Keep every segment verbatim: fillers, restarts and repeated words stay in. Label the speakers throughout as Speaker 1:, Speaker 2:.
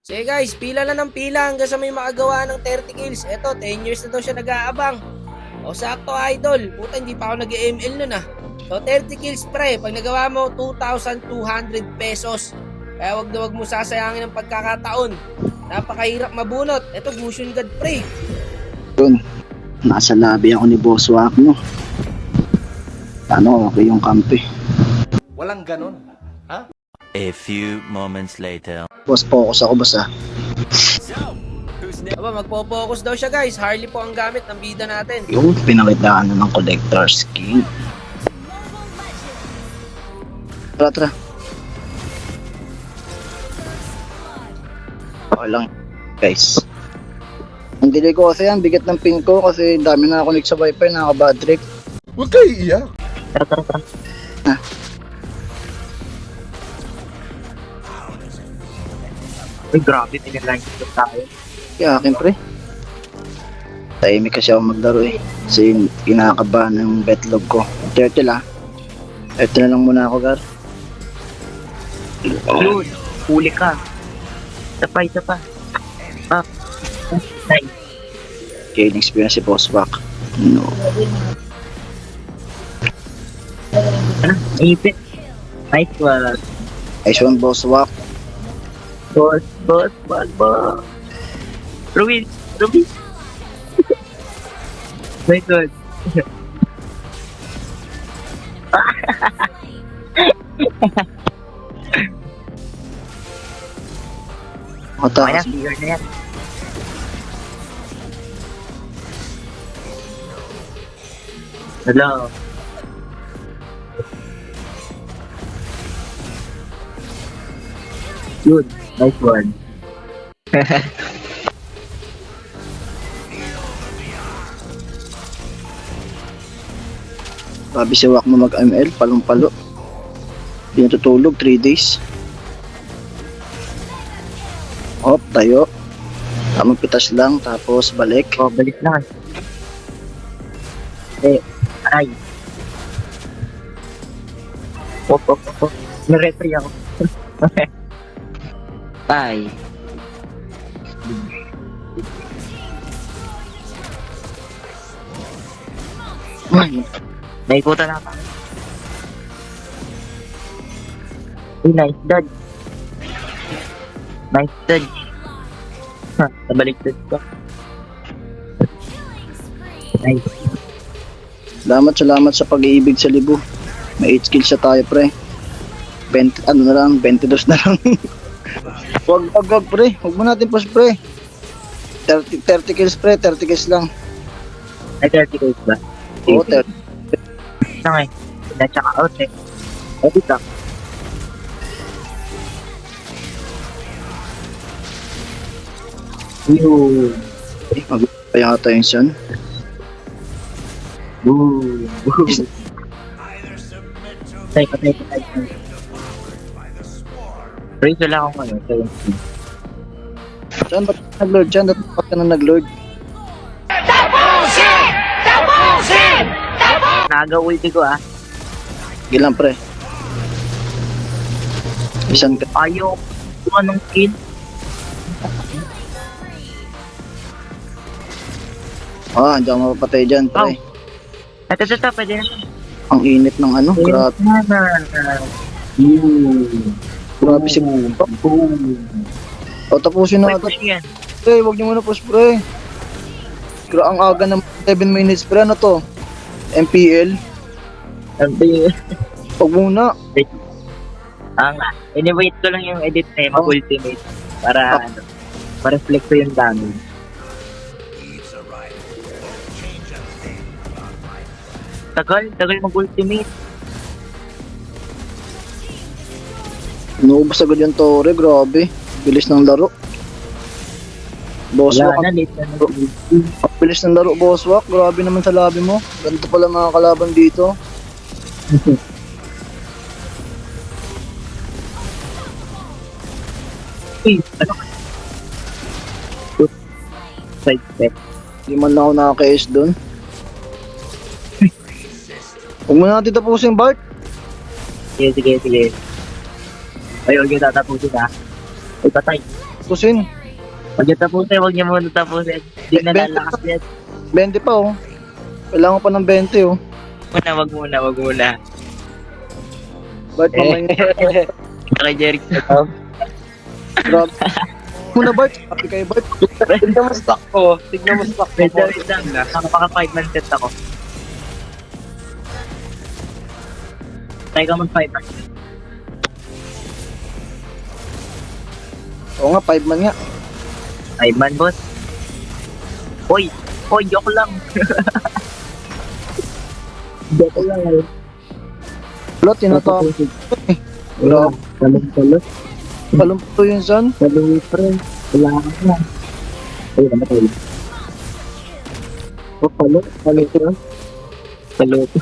Speaker 1: Sige guys, pila na ng pila hanggang sa may makagawa ng thirty kills. Eto, ten years na daw siya nag-aabang. O sakto idol, puta hindi pa ako nag-M L nun ah. So thirty kills pre, pag nagawa mo two thousand two hundred pesos. Kaya wag na wag mo sasayangin ang pagkakataon. Napakahirap mabunot. Eto, Gusion God pre.
Speaker 2: Yun, nasa lobby ako ni Boss Wak, no? Ano, okay yung kampi.
Speaker 3: Walang ganon. Ha?
Speaker 4: A few moments later.
Speaker 2: Boss, focus ako, boss, ah.
Speaker 1: Aba, magpo-focus daw siya guys. Harley po ang gamit ng bida natin.
Speaker 2: Yung pinakitaan na ng collector skin. Tara, tara. Okay lang, guys. Ang delay ko kasi yan, bigat ng pin ko kasi dami na connect sa wifi, nakaka-bad trip.
Speaker 3: Huwag kayo iiyak.
Speaker 2: Tara, tara, tara. Ah.
Speaker 5: Ay, grabe, pinalang ko tayo.
Speaker 2: Kaya akin, pre. Tahimik kasi ako maglaro eh. Kasi kinakabahan ng betlog ko. Turtle ah. Ito na lang muna ako, Gar.
Speaker 5: Yun, huli ka. Isa pa, isa pa. Ah, nice.
Speaker 2: Gaining experience si Boss Wak. No.
Speaker 5: Ano, ipit. Nice one.
Speaker 2: Nice one, Boss Wak.
Speaker 5: Boss, boss, boss, boss. Ruin, Ruin. My God. Kaya,
Speaker 2: Matakas.
Speaker 5: clear na yan. Hello. Good, nice one.
Speaker 2: Sabi si Wak mo mag-M L, palong-palo. Hindi natutulog, three days. Hop, tayo. Tamang pitas lang, tapos balik.
Speaker 5: Oh, balik na. Eh, aray. Op, op, op, op. Naretry ako. Bye.
Speaker 2: Ay,
Speaker 5: Naikutan na pa. Uy, nice dodge. Nice dodge. Ha, nabaliktad ko. Nice.
Speaker 2: salamat, salamat sa pag-iibig sa libo. May eight kills na tayo, pre. twenty, ano na lang, twenty-two na lang. wag, wag, wag, pre. Wag mo natin push, pre. thirty, thirty kills, pre. thirty kills lang.
Speaker 5: Ay, thirty days ba?
Speaker 2: Oo, thirty.
Speaker 5: Ito nga eh. Na-check out eh. Edit lang. Yun.
Speaker 2: Eh, mag- pa yata yung sun.
Speaker 5: Boom. Boom. Patay, patay, patay. Praise wala akong ano. seventeen.
Speaker 2: Diyan, ba't ka nag-lord? Diyan, ba't ka na nag-lord?
Speaker 5: Naga-ulti ko ah.
Speaker 2: Sige lang, pre. Isan ka.
Speaker 5: Ayaw kung anong skin.
Speaker 2: Ah, hindi ako mapapatay dyan, pre.
Speaker 5: Ito, ito, ito. Pwede na.
Speaker 2: Ang init ng ano, grabe.
Speaker 5: Boom.
Speaker 2: Grabe si
Speaker 5: Boom. Boom.
Speaker 2: O, tapusin
Speaker 5: May
Speaker 2: na
Speaker 5: push yan.
Speaker 2: Pre, huwag niyo muna push, pre. Gra ang aga ng seven minutes, pre. Ano to? M P L?
Speaker 5: Sabi,
Speaker 2: Huwag muna.
Speaker 5: ang ini-wait ko lang yung edit na yung mag-ultimate para ano, ma-reflect ko yung damage. Tagal, tagal mag-ultimate.
Speaker 2: Inuubos agad yung Torre, grabe. Bilis ng laro. Boss
Speaker 5: Wala
Speaker 2: Wak,
Speaker 5: na, late na nag-ulti.
Speaker 2: ang bilis ng laro, Boss Wak. Grabe naman sa labi mo. Ganito pala mga kalaban dito.
Speaker 5: Uy, ano ka? Good. Side step.
Speaker 2: Hindi man lang ako nakaka-S doon. Huwag mo natin tapusin, Bart.
Speaker 5: Sige, sige, sige. Ay, huwag yung tatapusin ha. Ay, patay.
Speaker 2: Tusin.
Speaker 5: Huwag niyo tapusin, huwag niyo muna tapusin. Hindi na lalakas yan.
Speaker 2: twenty pa oh. Kailangan pa ng twenty oh.
Speaker 5: Muna, wag muna, wag muna.
Speaker 2: Bart, mamaya.
Speaker 5: Kay Jeric.
Speaker 2: Grabe. Muna Bart. Happy kayo Bart.
Speaker 6: Tignan mo stock ko. Tignan mo stock ko.
Speaker 5: Wait lang, wait lang. Nakapaka five man set ako. Tayo ka mag five man.
Speaker 2: Oo nga, five man nga.
Speaker 5: Five man, boss. Hoy! Hoy, joke lang. Joke lang eh.
Speaker 2: Wala, tinatawag. Wala.
Speaker 5: Talong-talong.
Speaker 2: Palumpo yun son.
Speaker 5: Talong friend. Wala ka na. Ay, namatay. Oh, palo. Palo ko. Palo ko.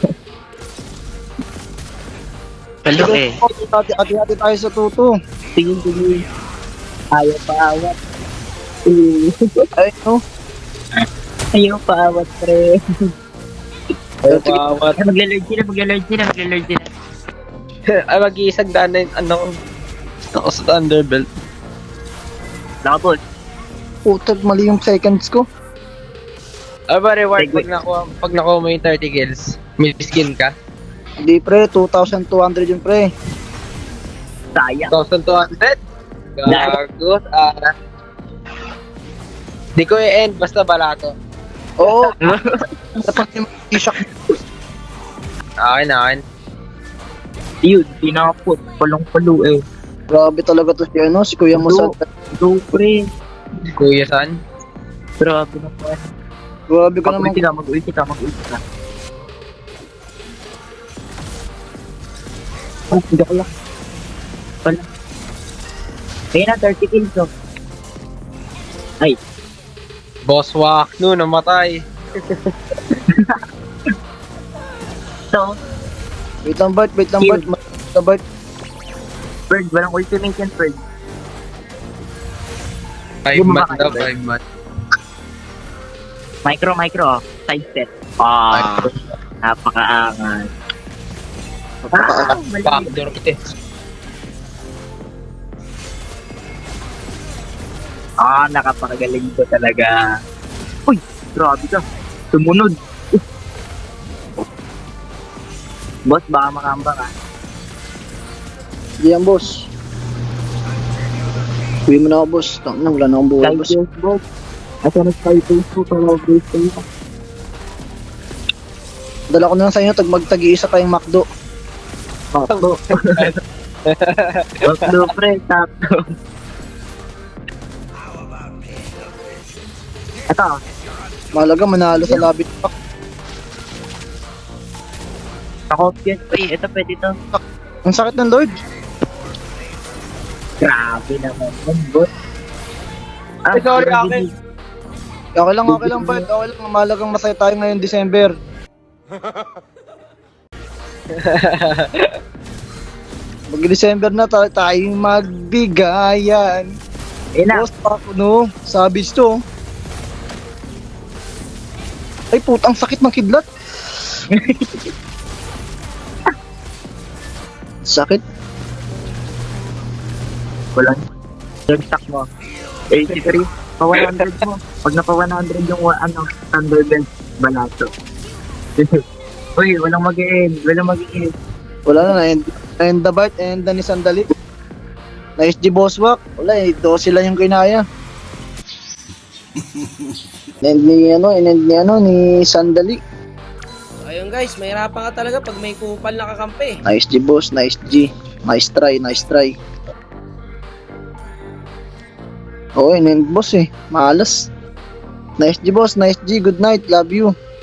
Speaker 5: Palo eh.
Speaker 2: Ati-ati tayo sa tuto.
Speaker 5: Tingin, tingin. Ayaw paawat.
Speaker 2: Ay, no.
Speaker 5: Ayaw paawat, pre.
Speaker 6: Ayaw paawat.
Speaker 5: Ay, magla-lord sila, magla-lord sila, magla-lord sila.
Speaker 6: Ay, mag-iisang daan na yung ano ko. Ako sa Thunderbelt.
Speaker 5: Nakabot.
Speaker 2: Putag, mali yung seconds ko.
Speaker 6: Ay ba, reward
Speaker 5: Segway.
Speaker 6: pag nakuha, pag nakuha mo yung thirty kills, may skin ka?
Speaker 2: Hindi pre, two thousand two hundred yun pre.
Speaker 5: Sayang.
Speaker 6: two thousand two hundred? Gago. Ah. Di ko i-end, basta balato.
Speaker 2: Oo. Dapat yung t-shirt.
Speaker 6: Akin, akin.
Speaker 5: Yun, pinakapot. Palong-palo eh.
Speaker 2: Grabe talaga to si ano, si Kuya Musad.
Speaker 5: Do, pre.
Speaker 6: Kuya San.
Speaker 5: Grabe na po.
Speaker 2: Grabe ka naman.
Speaker 5: Mag-ulti ka, mag-ulti ka, mag-ulti ka. Oh, hindi ko lang. Wala. Kaya na, thirty kills oh. Ay,
Speaker 6: Boss Wak, no, namatay.
Speaker 5: so,
Speaker 2: Wait lang Bart, wait lang
Speaker 5: Kill.
Speaker 2: Bart. Wait lang Bart.
Speaker 5: Bird, walang ultimate yan, Bird.
Speaker 6: Five
Speaker 5: Yung
Speaker 6: man
Speaker 5: mga
Speaker 6: daw,
Speaker 5: kayo,
Speaker 6: five man.
Speaker 5: Micro, micro, oh. Side step. Ah, napakaangat. Ah, mali.
Speaker 6: Backdoor eh.
Speaker 5: Ah, nakapakagaling ko talaga. Uy, grabe ka. Sumunod. Boss, baka makamba ka.
Speaker 2: Hindi yan boss. Uwi mo na ako boss. Tang na, wala na akong buhay boss.
Speaker 5: Skyface, boss. Asa na Skyface ko para base kayo.
Speaker 2: Dala ko na lang sa inyo, tag magtag-iisa kayong McDo.
Speaker 5: Takbo. Takbo, pre. Takbo. Ito.
Speaker 2: Mahalaga, manalo sa lobby.
Speaker 5: Nakopyan. Uy, ito pwede to.
Speaker 2: Ang sakit ng Lord.
Speaker 5: Grabe naman yun, boss. Ah,
Speaker 6: Ay, sorry, akin.
Speaker 2: Okay lang, okay lang Bart. Okay lang, mahalagang masaya tayo ngayon December. Mag-December na tayo, tayong magbigayan.
Speaker 5: Ayun na.
Speaker 2: Boss, ako no, sabis to. Ay putang sakit ng kidlat. Sakit.
Speaker 5: Walang. Yung stock mo. eighty-three. Pa one hundred mo. Pag napa one hundred yung wa- ano, Thunderbelt, balato. Uy, walang mag-end. Walang mag-end.
Speaker 2: Wala na, na-end, na-end the Bart, and the ni Sandali. Na-S G Bosswalk. Wala eh, do sila yung kinaya. And ni ano, in-end ni ano, ni Sandali.
Speaker 1: So, ayun guys, mahirapan ka talaga pag may kupal na kakampi.
Speaker 2: Nice G boss, nice G. Nice try, nice try. Oo, in-end boss eh. Malas. Nice G boss, nice G. Good night, love you.